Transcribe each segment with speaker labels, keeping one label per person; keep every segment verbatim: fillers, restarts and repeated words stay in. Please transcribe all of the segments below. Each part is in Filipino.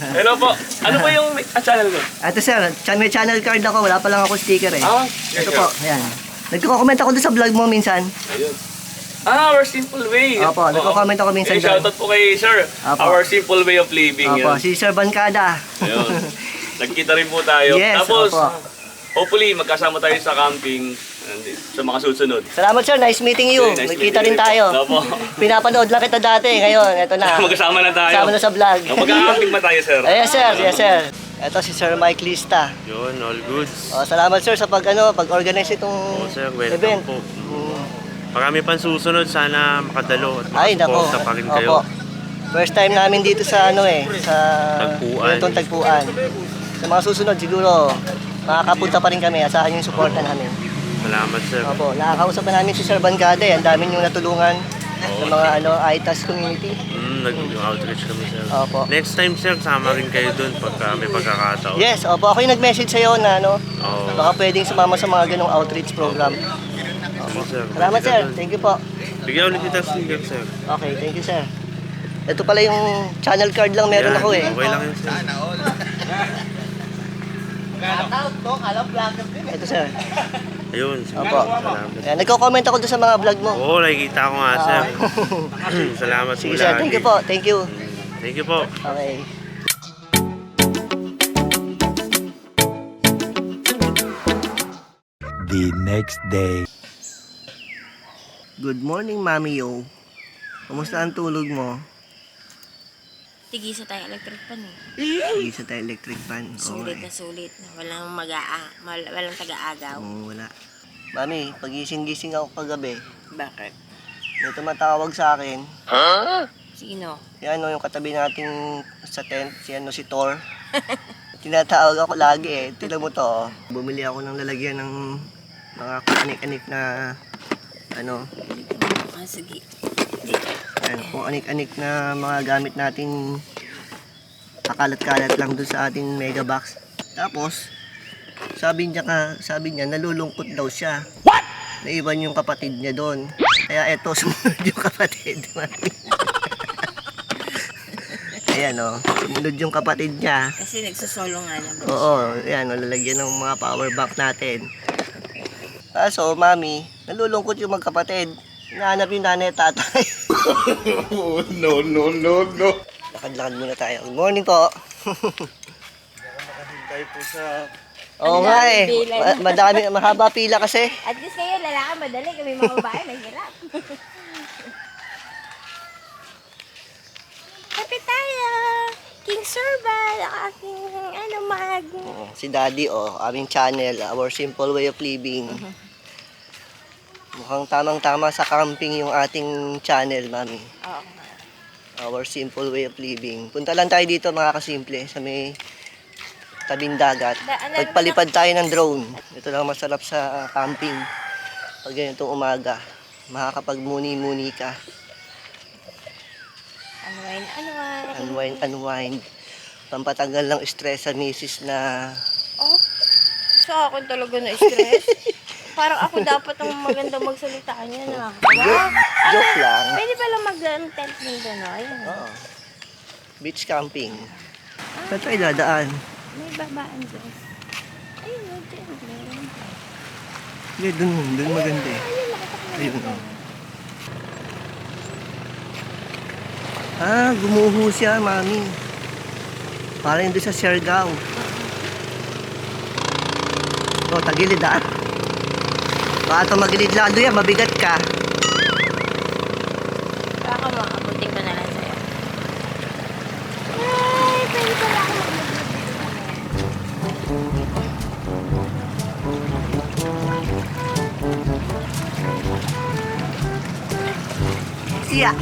Speaker 1: Hello po. Ano po yung ah, channel ko?
Speaker 2: Ito sir, chan- may channel card ako. Wala pa lang ako sticker eh.
Speaker 1: Ah,
Speaker 2: Ito po, ayan. Nagko-comment ako doon sa vlog mo minsan.
Speaker 1: Ayun. Ah, Our Simple Way.
Speaker 2: Opo, nagko-comment ako minsan
Speaker 1: Eh,
Speaker 2: doon.
Speaker 1: shoutout po kay Sir.
Speaker 2: Opo.
Speaker 1: Our Simple Way of Living.
Speaker 2: Opo,
Speaker 1: Yun.
Speaker 2: si Sir Bancada.
Speaker 1: Ayun. Nagkita rin po tayo.
Speaker 2: Yes,
Speaker 1: Tapos,
Speaker 2: opo.
Speaker 1: hopefully, magkasama tayo sa camping and sa mga susunod.
Speaker 2: Salamat sir, nice meeting you.
Speaker 1: Okay, nice
Speaker 2: Nagkita
Speaker 1: meeting
Speaker 2: rin tayo.
Speaker 1: you. Opo.
Speaker 2: Pinapanood lang kita dati, ngayon, eto na.
Speaker 1: Magkasama na tayo.
Speaker 2: Kasama na sa vlog.
Speaker 1: Magkakamping ba tayo, Sir?
Speaker 2: Yes sir, yes sir. Ito si Sir Mike Lista.
Speaker 3: Yun, all goods.
Speaker 2: Oh, salamat sir sa pag ano, pag-organize itong
Speaker 3: Oo, sir, welcome
Speaker 2: event.
Speaker 3: po.
Speaker 2: Mm.
Speaker 3: Marami pang susunod, sana makadalo at
Speaker 2: Ay, nako.
Speaker 3: makasuporta pa rin kayo.
Speaker 2: Opo. First time namin dito sa ano eh, sa
Speaker 3: Tagpuan.
Speaker 2: itong tagpuan. Sa mga susunod siguro, makakapunta pa rin kami. Asahan yung suporta namin.
Speaker 3: Salamat, sir.
Speaker 2: Opo, nakakausap na namin si Sir Bancada eh. Ang dami niyong natulungan sa mga ano, I T A S community.
Speaker 3: Mm, nag-outreach kami, sir.
Speaker 2: Opo.
Speaker 3: Next time, sir, sama rin kayo dun pagka may pagkakataon.
Speaker 2: Yes, opo. Ako yung nag-message sa'yo na ano,
Speaker 3: Oo.
Speaker 2: baka pwedeng sumama sa mga ganong outreach program.
Speaker 3: Opo, sir.
Speaker 2: Salamat
Speaker 3: Pwede
Speaker 2: sir.
Speaker 3: ka dun.
Speaker 2: Thank you po.
Speaker 3: Bigyan ulit kita sticker, sir.
Speaker 2: Okay, thank you sir. Ito pala yung channel card lang meron
Speaker 3: Yan,
Speaker 2: ako eh.
Speaker 3: Okay lang yun, sir.
Speaker 2: Ito sir.
Speaker 3: Ayun, sir.
Speaker 2: Opo.
Speaker 3: Salamat.
Speaker 2: Ayan, nagko-comment ako doon sa mga vlog mo.
Speaker 3: Oo, nakikita ko nga, sir. Salamat
Speaker 2: Sige
Speaker 3: po
Speaker 2: sir,
Speaker 3: lagi.
Speaker 2: thank you po. Thank you.
Speaker 3: Thank you po.
Speaker 2: Okay.
Speaker 4: The next day.
Speaker 2: Good morning, Mami Yo. Kumusta ang tulog mo?
Speaker 5: Tigisa tayo electric pan eh.
Speaker 2: Isa tayo electric fan. Oo,
Speaker 5: Sulit
Speaker 2: eh.
Speaker 5: na sulit na. Walang mag-aa, mal- walang taga-agaw.
Speaker 2: Oo, wala. Mami, pagising-gising ako kagabi.
Speaker 5: Bakit?
Speaker 2: May tumatawag sa akin.
Speaker 5: Sino?
Speaker 2: Si ano, yung katabi nating sa tent, si ano, si Thor. Tinatawag ako lagi eh. Tila mo to, oh. Bumili ako ng lalagyan ng mga anik-anik na ano,
Speaker 5: Ah, sige.
Speaker 2: ano, kung anik-anik na mga gamit nating kakalat-kalat lang dun sa ating mega box. Tapos, sabi niya ka, sabi niya, nalulungkot daw siya. What? Naiwan yung kapatid niya doon. Kaya eto, sumunod yung kapatid. Ayan o, sumunod yung kapatid niya.
Speaker 5: Kasi nagsusolo nga naman.
Speaker 2: Oo, ayan o, lalagyan ng mga power bank natin. Kaso, mami, nalulungkot yung magkapatid. Hinahanap yung nanay at tatay.
Speaker 4: No, no, no, no.
Speaker 2: Lakad-lakad muna tayo. Good morning po.
Speaker 3: Tayo po sa...
Speaker 2: Oo
Speaker 5: Ang
Speaker 2: nga
Speaker 5: daming
Speaker 2: eh.
Speaker 5: pila.
Speaker 2: Ma- Madami, mahaba pila kasi.
Speaker 5: At least kayo, lalaki, madali. Kami mga babae, mahirap. Happy tayo! King Sorbal, ang aking ano, mag...
Speaker 2: Oo, si Daddy oh, aming channel, Our Simple Way of Living. Mukhang tamang-tama sa camping yung ating channel, mami.
Speaker 5: Oo.
Speaker 2: Our Simple Way of Living. Punta lang tayo dito mga kasimple sa may tabing dagat.
Speaker 5: Da- ano-
Speaker 2: Pagpalipad tayo ng drone. Ito lang masarap sa camping. Pag ganitong umaga, makakapag-muni-muni ka.
Speaker 5: Unwind, unwind.
Speaker 2: Unwind, unwind. Pampatanggal ng stress sa misis na...
Speaker 5: Oh, sa akin talaga na-stress. Parang ako dapat ang maganda magsalita niya na.
Speaker 2: Joke, joke lang.
Speaker 5: Pwede pala mag-tent ng gano'n.
Speaker 2: Oo. Beach camping. Saan tayo dadaan?
Speaker 5: May babaan dyan. Ayun, oh, dyan. Meron.
Speaker 2: Hindi, dun, dun maganda eh. Ayun oh. Ah, gumuho siya, mami. Parang doon sa Siargao. O, tagilid ah. Baka ito magilid lado yan, mabigat ka.
Speaker 5: Baka makabuting ko na lang sa'yo. Ay, pwede pala ako
Speaker 2: Siya.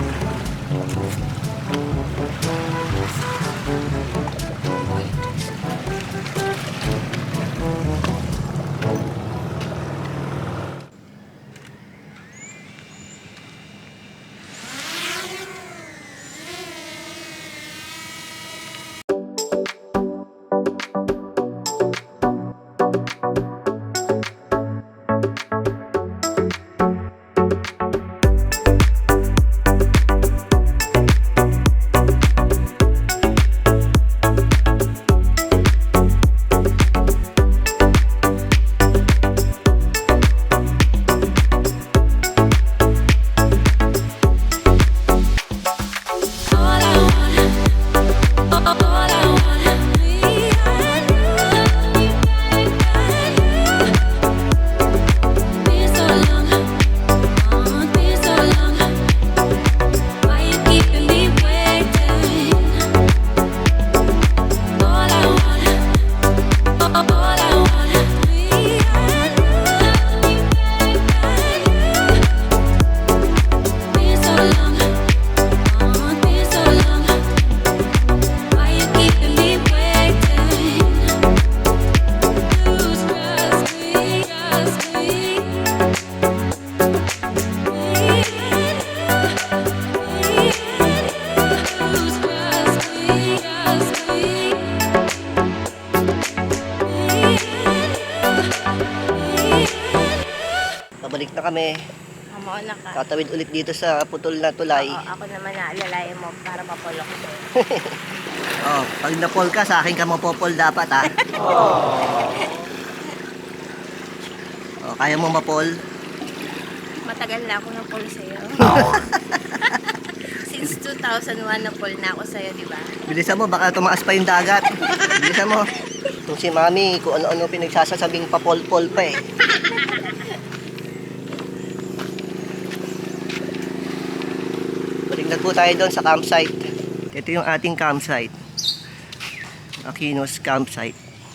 Speaker 2: na kami.
Speaker 5: Mauna ka.
Speaker 2: Tatawid ulit dito sa putol na tulay.
Speaker 5: Oo, ako naman naalalayan mo para mapulok ko.
Speaker 2: Oh, pag napol ka, sa akin ka mapopol dapat ha. Oh, kaya mo mapol?
Speaker 5: Matagal na ako ng pool sa'yo. Since two thousand one na pool na ako sa'yo, di ba?
Speaker 2: Bilisan mo, baka tumaas pa yung dagat. Bilisan mo. Kung si Mami, kung ano-ano pinagsasasabing papol-pol pa eh. Balik na po tayo doon sa campsite. Ito yung ating campsite. Aquinos campsite.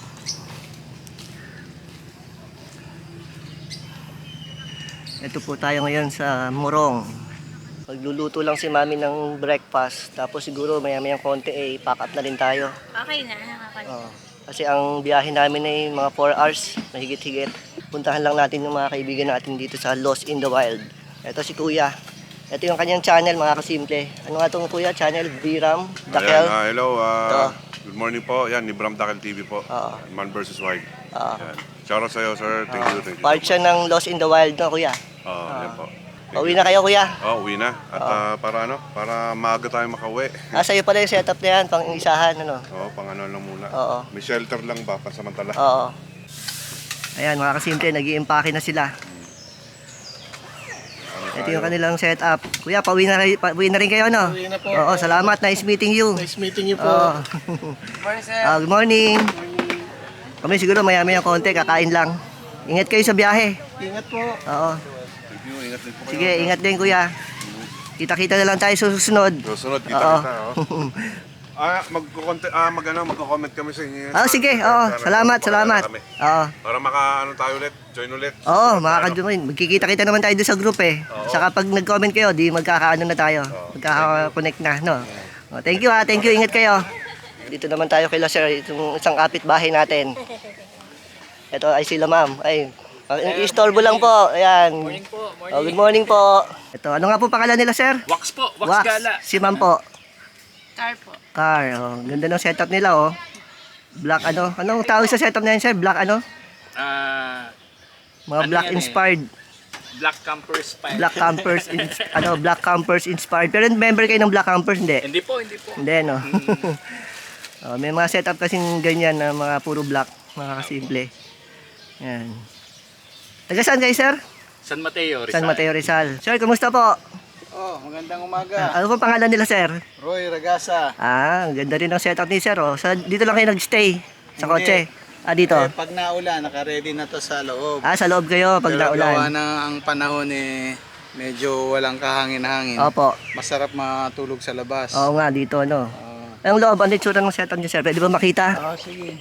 Speaker 2: Ito po tayo ngayon sa Morong. Magluluto lang si Mami ng breakfast. Tapos siguro maya-mayang konti eh, pack up na rin tayo.
Speaker 5: Okay na, nakakalimutan.
Speaker 2: Oo. Kasi ang biyahe namin ay mga four hours, mahigit-higit. Puntahan lang natin yung mga kaibigan natin dito sa Lost in the Wild. Ito si Kuya. Ito yung kanyang channel, mga kasimple. Ano nga itong Kuya? Channel? Biram? Dakel?
Speaker 6: Ayan, ah, hello. ah,
Speaker 2: Ito.
Speaker 6: good morning po. Yan, ni Bram Dakel T V po.
Speaker 2: Oo.
Speaker 6: Man versus Wild.
Speaker 2: Oo.
Speaker 6: Yan. Shoutout sa'yo, sir. Thank you, thank you.
Speaker 2: Part siya ng Lost in the Wild, no, Kuya?
Speaker 6: Oo, yan po.
Speaker 2: Pauwi na kayo, Kuya.
Speaker 6: Oh, uwi na. At ah, para ano, para maaga tayo makauwi.
Speaker 2: Ah, sa'yo pala yung setup na yan, pang isahan, ano?
Speaker 6: Oo, pang ano lang muna.
Speaker 2: Oo.
Speaker 6: May shelter lang ba, pansamantala.
Speaker 2: Oo. Ayan, mga kasimple, nag-i-impake na sila. Ito yung kanilang setup. Kuya, pauwi na, kayo- pauwi na rin kayo, no?
Speaker 7: Pauwi na po.
Speaker 2: Oo, salamat. Nice meeting you.
Speaker 7: Nice meeting you po.
Speaker 2: Oo.
Speaker 7: Good morning, sir.
Speaker 2: Ah, good morning. Kami siguro maya-maya konti, kakain lang. Ingat kayo sa biyahe.
Speaker 7: Ingat po.
Speaker 2: Oo.
Speaker 6: Thank you, ingat din po kayo.
Speaker 2: Sige, ingat din, Kuya. Kita-kita na lang tayo sa susunod.
Speaker 6: Susunod, kita
Speaker 2: Oo.
Speaker 6: kita. Oh. ah, magko-comment ah, mag ano, magko-comment kami sa inyo.
Speaker 2: Ah, sige. Oo,
Speaker 6: Para-
Speaker 2: salamat,
Speaker 6: para-
Speaker 2: salamat.
Speaker 6: kami.
Speaker 2: Oo.
Speaker 6: Para maka ano tayo ulit, join ulit.
Speaker 2: Oo,
Speaker 6: Susunod na, ano.
Speaker 2: makakadumin. Magkikita-kita naman tayo doon sa group eh.
Speaker 6: Oo.
Speaker 2: Saka pag nag-comment kayo, di magkakaano na tayo. Magkaka-connect na, no? Oh, thank you ha, thank you. Ingat kayo. Dito naman tayo kay Sir, itong isang kapitbahay natin. Ito ay sila ma'am. Ay, uh, istorbo lang po. Ayan. Morning po, morning. Oh, good morning po. Ito, ano nga po pangalan nila, sir?
Speaker 1: Wax po, wax, gala.
Speaker 2: Si ma'am po.
Speaker 5: Car po.
Speaker 2: Car. Oh, ganda ng setup nila, oh. Black ano? Anong tawag sa setup na yun, sir? Black ano?
Speaker 1: Ah,
Speaker 2: Mga
Speaker 1: Ano
Speaker 2: black
Speaker 1: yan eh?
Speaker 2: inspired.
Speaker 1: Black Camper Spy.
Speaker 2: Black campers, ins- ano, black campers inspired. Pero member kayo ng black campers, hindi?
Speaker 1: Hindi po, hindi po.
Speaker 2: Hindi, no? Oh, may mga setup kasing ganyan na mga puro black, mga kasimple. Yan. Taga saan kayo, sir?
Speaker 1: San Mateo, Rizal.
Speaker 2: San Mateo Rizal. Sir, kumusta po?
Speaker 7: Oh, magandang umaga.
Speaker 2: Ah, ano pong pangalan nila, sir?
Speaker 7: Roy Ragasa.
Speaker 2: Ah, ang ganda rin ng setup ni sir, oh. Sa, dito lang kayo nag-stay? Sa
Speaker 7: Hindi.
Speaker 2: kotse? Ah, dito?
Speaker 7: Eh, pag naulan, naka-ready na to sa loob.
Speaker 2: Ah, sa loob kayo pag
Speaker 7: Pero gawa
Speaker 2: naulan?
Speaker 7: na ang panahon eh, medyo walang kahangin-hangin.
Speaker 2: Opo.
Speaker 7: Masarap matulog sa labas.
Speaker 2: Oo nga, dito, no?
Speaker 7: Ah,
Speaker 2: Ang loob, ano yung tsura ng setup niyo, sir? Pwede ba makita?
Speaker 7: ah, sige.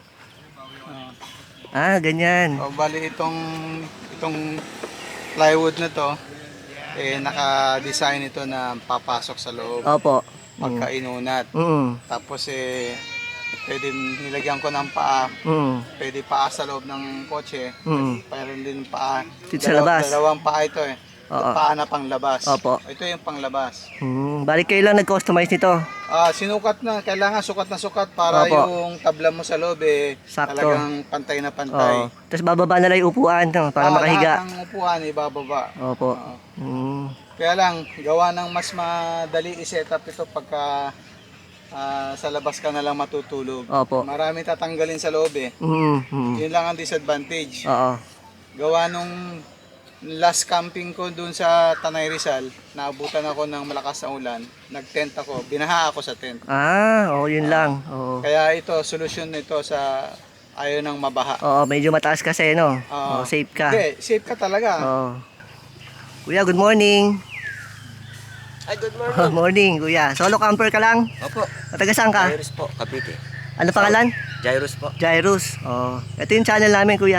Speaker 2: Ah, ganyan.
Speaker 7: Oh, bali itong itong plywood na to, eh naka-design ito na papasok sa loob
Speaker 2: Opo.
Speaker 7: pagka inunat.
Speaker 2: Mm.
Speaker 7: Tapos eh pwede nilagyan ko ng paa,
Speaker 2: Mm.
Speaker 7: pwede paa sa loob ng kotse.
Speaker 2: Mm.
Speaker 7: Mayroon din paa.
Speaker 2: Dito sa labas?
Speaker 7: Dalawang paa ito eh.
Speaker 2: Oo.
Speaker 7: Paa na panglabas.
Speaker 2: Opo.
Speaker 7: Ito yung panglabas.
Speaker 2: Mm. Balik kayo lang nag-customize nito.
Speaker 7: Ah, sinukat na, kailangan sukat na sukat para
Speaker 2: Opo.
Speaker 7: yung tabla mo sa loob eh
Speaker 2: Sakto.
Speaker 7: talagang pantay na pantay.
Speaker 2: Oo. Tapos bababa na lang yung upuan, no? Para
Speaker 7: Ah,
Speaker 2: makahiga.
Speaker 7: Lahat ng upuan ibababa.
Speaker 2: Opo.
Speaker 7: Oo.
Speaker 2: Mm.
Speaker 7: Kaya lang, gawa ng mas madali i-set up ito pagka ah, sa labas ka na lang matutulog.
Speaker 2: Opo.
Speaker 7: Marami tatanggalin sa loob eh.
Speaker 2: Mm. Mm.
Speaker 7: Yun lang ang disadvantage.
Speaker 2: Oo.
Speaker 7: Gawa nung last camping ko dun sa Tanay Rizal, naabutan ako ng malakas na ulan, nag-tent ako, binaha ako sa tent.
Speaker 2: Ah, oo, yun lang. Oo.
Speaker 7: Kaya ito, solusyon nito sa ayaw ng mabaha.
Speaker 2: Oo, medyo mataas kasi, no? Oo,
Speaker 7: Oo.
Speaker 2: safe ka.
Speaker 7: Hindi, safe ka talaga.
Speaker 2: Oo. Kuya, good morning.
Speaker 8: Ay, good morning.
Speaker 2: Oh, morning, kuya. Solo camper ka lang?
Speaker 8: Opo.
Speaker 2: Taga saan ka?
Speaker 8: Jairus po, Cavite.
Speaker 2: Ano pangalan?
Speaker 8: Jairus po.
Speaker 2: Jairus. Oh. Ito yung channel namin, kuya.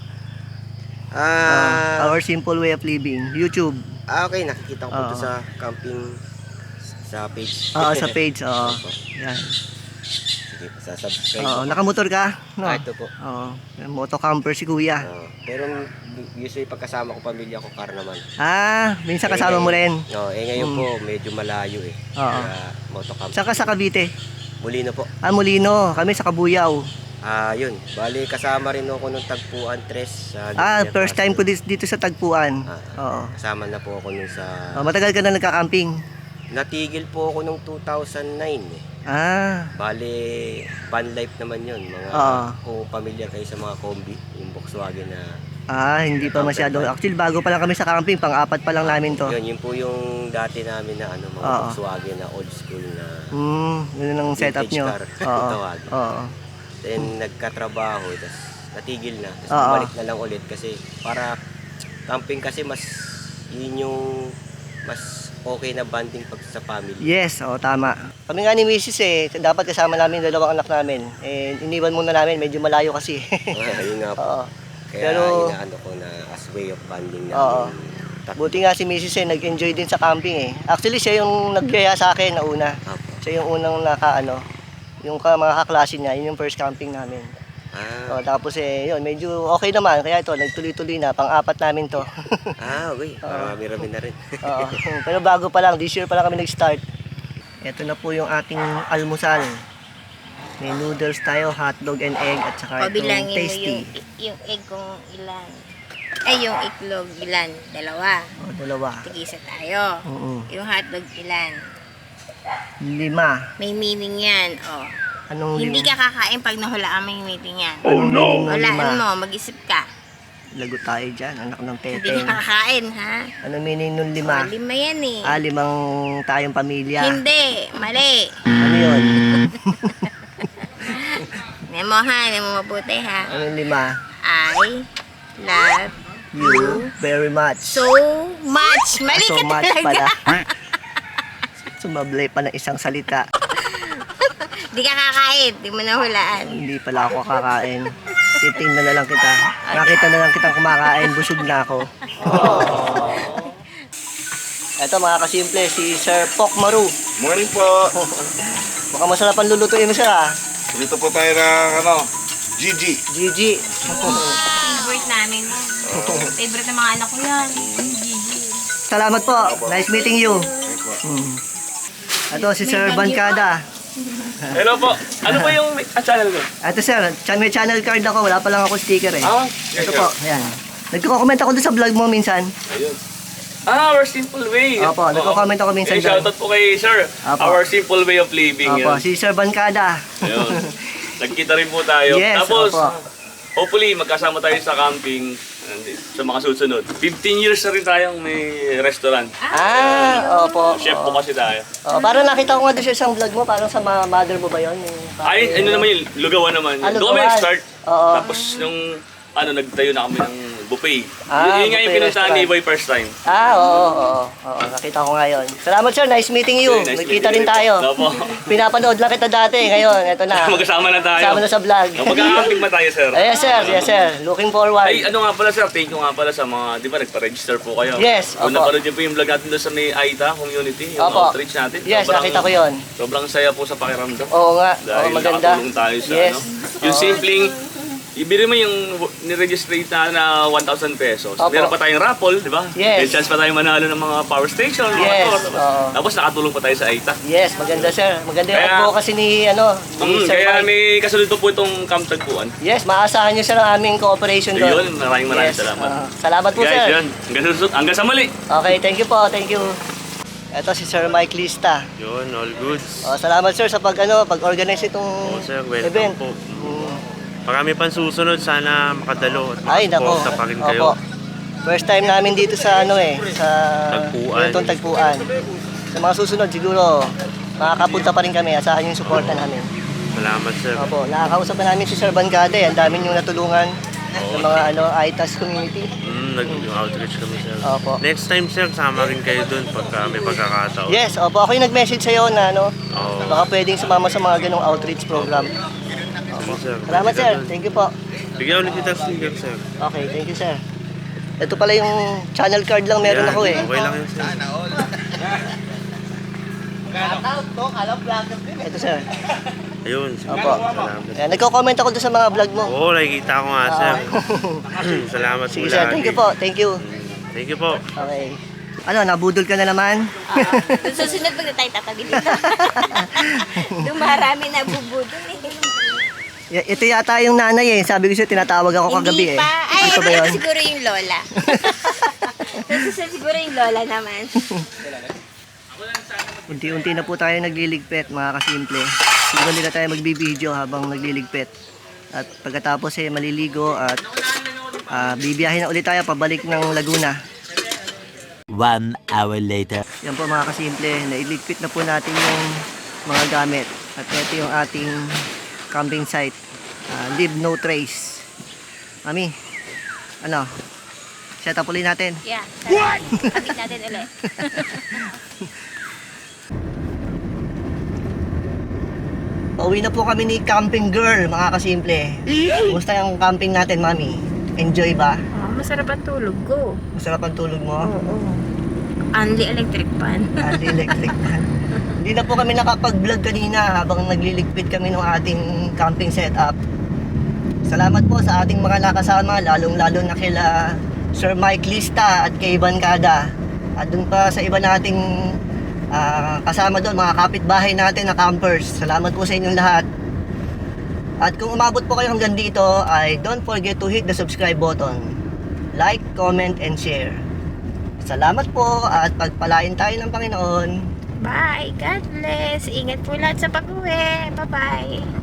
Speaker 8: Ah,
Speaker 2: Our Simple Way of Living. YouTube.
Speaker 8: ah, okay, nakikita ko po ito
Speaker 2: Oo.
Speaker 8: sa camping sa page.
Speaker 2: Oo, sa page. Oo.
Speaker 8: Opo.
Speaker 2: Yan.
Speaker 8: Sige, sa subscribe.
Speaker 2: Oo,
Speaker 8: po.
Speaker 2: nakamotor ka? No?
Speaker 8: Ah, ito po.
Speaker 2: Oo. Moto camper si kuya.
Speaker 8: Oo. Pero usually pagkasama ko pamilya ko car naman.
Speaker 2: Ah, minsan kasama mo rin.
Speaker 8: No, eh ngayon
Speaker 2: Mm.
Speaker 8: po medyo malayo eh.
Speaker 2: Oo.
Speaker 8: Kaya motocamp.
Speaker 2: Saan ka sa Cavite?
Speaker 8: Muli na po.
Speaker 2: Ah, Molino. Kami sa Kabuyaw.
Speaker 8: Ah, yun. Bali, kasama rin ako nung tagpuan, Tres. Sa
Speaker 2: Ah,
Speaker 8: Lucia
Speaker 2: first time ko
Speaker 8: Castle.
Speaker 2: dis- dito sa Tagpuan.
Speaker 8: Ah,
Speaker 2: Oo.
Speaker 8: Kasama na po ako nung sa...
Speaker 2: Oh, matagal ka na nagka-camping?
Speaker 8: Natigil po ako nung two thousand nine eh.
Speaker 2: Ah,
Speaker 8: Bali, van life naman yun. Mga,
Speaker 2: Oo.
Speaker 8: kung familiar kayo sa mga combi, yung Volkswagen na...
Speaker 2: ah, hindi pa masyado. Actually, bago pa lang kami sa camping, pang-apat pa lang namin to.
Speaker 8: Yun, yun po yung dati namin na ano, mga
Speaker 2: Oo.
Speaker 8: Volkswagen na old school na...
Speaker 2: Hmm, yun ang setup
Speaker 8: Vintage
Speaker 2: nyo.
Speaker 8: car.
Speaker 2: Oo.
Speaker 8: Tawagin.
Speaker 2: Oo.
Speaker 8: Then nagkatrabaho, tapos natigil na. Tapos
Speaker 2: Oo.
Speaker 8: bumalik na lang ulit kasi para camping kasi mas yun yung mas okay na bonding pag sa family.
Speaker 2: Yes, oo, tama. Kami nga ni Missus eh, dapat kasama namin yung dalawang anak namin. Eh, iniwan muna namin, medyo malayo kasi.
Speaker 8: Ayun nga po.
Speaker 2: Oo.
Speaker 8: Kaya
Speaker 2: Pero-
Speaker 8: inaano ko na as way of bonding na.
Speaker 2: Oo. Buti nga si Missus eh, nag-enjoy din sa camping eh. Actually, siya yung nagyaya sa akin na una.
Speaker 8: Apo.
Speaker 2: Siya yung unang naka ano, yung ka, mga kaklase niya, yun yung first camping namin.
Speaker 8: Ah,
Speaker 2: O, tapos eh, yun, medyo okay naman. Kaya ito, nagtuloy-tuloy na, pang-apat namin to.
Speaker 8: ah, okay. Marami-rami na rin.
Speaker 2: Oo. Pero bago pa lang, this year pa lang kami nag-start. Ito na po yung ating almusal. May noodles tayo, hotdog and egg, at saka itong
Speaker 5: Pabilangin mo
Speaker 2: tasty.
Speaker 5: yung, yung egg kung ilan. Ay, yung itlog ilan? Dalawa.
Speaker 2: O, dalawa.
Speaker 5: Tigisa tayo.
Speaker 2: Oo.
Speaker 5: Yung hotdog ilan?
Speaker 2: Lima.
Speaker 5: May meaning yan. Oh.
Speaker 2: Anong
Speaker 5: Hindi
Speaker 2: lima?
Speaker 5: ka kakain pag nahulaan mo yung meaning yan.
Speaker 2: Oh no!
Speaker 5: Hulaan mo, mag-isip ka.
Speaker 2: Lagot tayo dyan, anak ng
Speaker 5: Hindi
Speaker 2: teteng.
Speaker 5: ka kakain, ha?
Speaker 2: Anong meaning nung
Speaker 5: Oh,
Speaker 2: lima?
Speaker 5: lima yan eh.
Speaker 2: Ah, limang tayong pamilya.
Speaker 5: Hindi, mali.
Speaker 2: Ano yun?
Speaker 5: Nemo ha, nemo mabuti ha.
Speaker 2: Anong lima?
Speaker 5: I love
Speaker 2: You very much.
Speaker 5: so much. Mali
Speaker 2: so
Speaker 5: ka
Speaker 2: much
Speaker 5: talaga.
Speaker 2: pala. Sumablay pa ng isang salita.
Speaker 5: Di ka kakain, di mo nahulaan.
Speaker 2: Hindi pala ako kakain. Titingnan na lang kita. Nakita na lang kitang kumakain. Busog na ako. Ito mga kasimple, si Sir Pok Maru.
Speaker 6: Morning po.
Speaker 2: Mukhang masarap ang lulutuin mo, sir, ah.
Speaker 6: Dito po tayo ng ano, G G.
Speaker 2: Gigi.
Speaker 5: Favorite namin yan. Favorite ng mga anak ko yan. Gigi.
Speaker 2: Salamat po. Nice meeting you. Hmm. Ito si Sir Bancada.
Speaker 1: Hello po. Ano ba yung ah, channel ko?
Speaker 2: Ito sir, chan may channel card ako. Wala pa lang ako sticker eh.
Speaker 1: Ah,
Speaker 2: Ito po, ayan. Nagko-comment ako doon sa vlog mo minsan.
Speaker 1: Ayun. Ah, Our Simple Way.
Speaker 2: Opo, nagko-comment ako minsan
Speaker 1: Eh,
Speaker 2: dyan.
Speaker 1: shoutout po kay Sir.
Speaker 2: Opo.
Speaker 1: Our Simple Way of Living.
Speaker 2: Opo,
Speaker 1: Yun.
Speaker 2: si Sir Bancada.
Speaker 1: Ayun. Nagkita rin po tayo.
Speaker 2: Yes,
Speaker 1: Tapos,
Speaker 2: opo.
Speaker 1: hopefully, magkasama tayo sa camping and sa mga susunod. fifteen years na rin tayong may restaurant.
Speaker 2: Ah, opo.
Speaker 1: Chef po kasi tayo.
Speaker 2: Oh, parang nakita ko nga doon sa isang vlog mo, parang sa ma- mother mo ba yun? Yung,
Speaker 1: Ay, ano naman yun, lugawan naman.
Speaker 2: Ah,
Speaker 1: Doon kami
Speaker 2: lugawan.
Speaker 1: nag-start.
Speaker 2: Oo.
Speaker 1: Tapos nung ano, nagtayo na kami ng buffet.
Speaker 2: Ah,
Speaker 1: yun, yun nga yung
Speaker 2: buffet
Speaker 1: pinuntahan ni
Speaker 2: restaurant.
Speaker 1: Boy first time.
Speaker 2: Ah, oo, oo, oo. Nakita ko nga yun. Salamat sir, nice meeting you.
Speaker 1: Okay, nice
Speaker 2: Nagkita
Speaker 1: meeting
Speaker 2: rin
Speaker 1: you.
Speaker 2: tayo.
Speaker 1: Opo.
Speaker 2: Pinapanood lang kita dati, ngayon, eto na.
Speaker 1: Magkasama na tayo.
Speaker 2: Kasama na sa vlog.
Speaker 1: Magkakamping ba tayo, sir?
Speaker 2: Yes sir, yes sir. Looking forward.
Speaker 1: Ay, ano nga pala sir, thank you nga pala sa mga, di ba, nagpa-register po kayo.
Speaker 2: Yes,
Speaker 1: Kung
Speaker 2: opo.
Speaker 1: napanood niyo po yung vlog natin doon sa may Aita community, yung
Speaker 2: Opo.
Speaker 1: outreach natin.
Speaker 2: Yes, nakita ko yun.
Speaker 1: Sobrang saya po sa pakiramdam.
Speaker 2: Oo nga, oo,
Speaker 1: Dahil
Speaker 2: maganda.
Speaker 1: nakatulong tayo sa
Speaker 2: Yes.
Speaker 1: ano. Yung simpleng, ibili mo yung niregistrate na na one thousand pesos.
Speaker 2: Opo.
Speaker 1: Meron pa tayong raffle, di ba?
Speaker 2: Yes.
Speaker 1: May chance pa tayong manalo ng mga power station, mga
Speaker 2: Yes,
Speaker 1: motor.
Speaker 2: oo.
Speaker 1: Tapos nakatulong pa tayo sa Aita.
Speaker 2: Yes, maganda sir. Maganda yung
Speaker 1: Kaya-
Speaker 2: advocacy ni, ano, ni
Speaker 1: Mm,
Speaker 2: Sir
Speaker 1: kaya
Speaker 2: Mike.
Speaker 1: may kasunod po po itong Camp Tagpuan.
Speaker 2: Yes, maasahan niyo sir ang aming cooperation doon.
Speaker 1: Yun, maraming maraming
Speaker 2: Yes,
Speaker 1: salamat.
Speaker 2: ah, salamat po
Speaker 1: Guys,
Speaker 2: sir.
Speaker 1: yun. Hanggang, susunod, hanggang sa muli.
Speaker 2: Okay, thank you po, thank you. Ito si Sir Mike Lista.
Speaker 3: Yun, all goods.
Speaker 2: Oh, salamat sir sa pag ano, pag-organize itong
Speaker 3: Oo, sir, welcome
Speaker 2: event.
Speaker 3: po.
Speaker 2: Mm.
Speaker 3: Marami pang susunod, sana makadalo at
Speaker 2: Ay, nako.
Speaker 3: makasuporta pa rin kayo.
Speaker 2: Opo. First time namin dito sa ano eh, sa
Speaker 3: Tagpuan.
Speaker 2: itong Tagpuan. Sa mga susunod siguro makakapunta pa rin kami, asahan yung suporta namin.
Speaker 3: Salamat, sir.
Speaker 2: Opo, nakakausap na namin si Sir Bancada eh. Ang dami yung natulungan sa mga ano, I T A S community.
Speaker 3: Mm, nag-outreach kami, sir.
Speaker 2: Opo.
Speaker 3: Next time, sir, sama rin kayo dun pagka may pagkakataon.
Speaker 2: Yes, opo, ako yung nag-message sa'yo na ano,
Speaker 3: Oo.
Speaker 2: baka pwedeng sumama sa mga ganong outreach program.
Speaker 3: Sige, sir.
Speaker 2: Salamat sir, thank you po.
Speaker 3: Bigyan ulit kita sticker, sir.
Speaker 2: Okay, thank you sir. Ito pala yung channel card lang meron
Speaker 3: Yan,
Speaker 2: ako eh.
Speaker 3: Okay lang yun, sir.
Speaker 2: Ito sir.
Speaker 3: Ayun, sige.
Speaker 2: Opo.
Speaker 3: Salamat.
Speaker 2: Ayan, nagko-comment ako doon sa mga vlog mo.
Speaker 3: Oo, nakikita ko nga, sir. Salamat
Speaker 2: Sige
Speaker 3: po
Speaker 2: sir,
Speaker 3: lagi.
Speaker 2: thank you po, thank you.
Speaker 3: Thank you po.
Speaker 2: Okay. Ano, nabudol ka na naman?
Speaker 5: Doon susunod pag na tayo tatabi dito. Doon marami na bubudol eh.
Speaker 2: Y- ito yata yung nanay eh. Sabi ko siya, tinatawag ako kagabi
Speaker 5: Hindi
Speaker 2: eh.
Speaker 5: pa. Ay,
Speaker 2: Ito ba yun?
Speaker 5: ito siguro yung lola. Ito siguro yung lola naman.
Speaker 2: Unti-unti na po tayo nagliligpit, mga kasimple. Siguro nila tayo magbibideo habang nagliligpit. At pagkatapos eh, maliligo at ah, bibiyahin na ulit tayo pabalik ng Laguna.
Speaker 4: One hour later.
Speaker 2: Yan po mga kasimple, nailigpit na po natin yung mga gamit. At ito yung ating camping site. Ah, leave no trace. Mami, ano? Set up ulit natin.
Speaker 5: Yeah. What? Pagit natin ulit.
Speaker 2: Pauwi na po kami ni Camping Girl, mga kasimple. Kumusta yung camping natin, Mami? Enjoy ba?
Speaker 5: Oh, masarap ang tulog ko.
Speaker 2: Masarap ang tulog mo?
Speaker 5: Oo. Only electric pan.
Speaker 2: Hindi electric fan. Hindi na po kami nakapag-vlog kanina habang nagliligpit kami ng ating camping setup. Salamat po sa ating mga nakasama, lalong-lalo na kila Sir Mike Lista at kay Ivan Kada. At dun pa sa iba nating ah, kasama doon, mga kapitbahay natin na campers. Salamat po sa inyong lahat. At kung umabot po kayo hanggang dito, ay don't forget to hit the subscribe button. Like, comment, and share. Salamat po at pagpalain tayo ng Panginoon.
Speaker 5: Bye. God bless. Ingat po lahat sa pag-uwi. Bye-bye.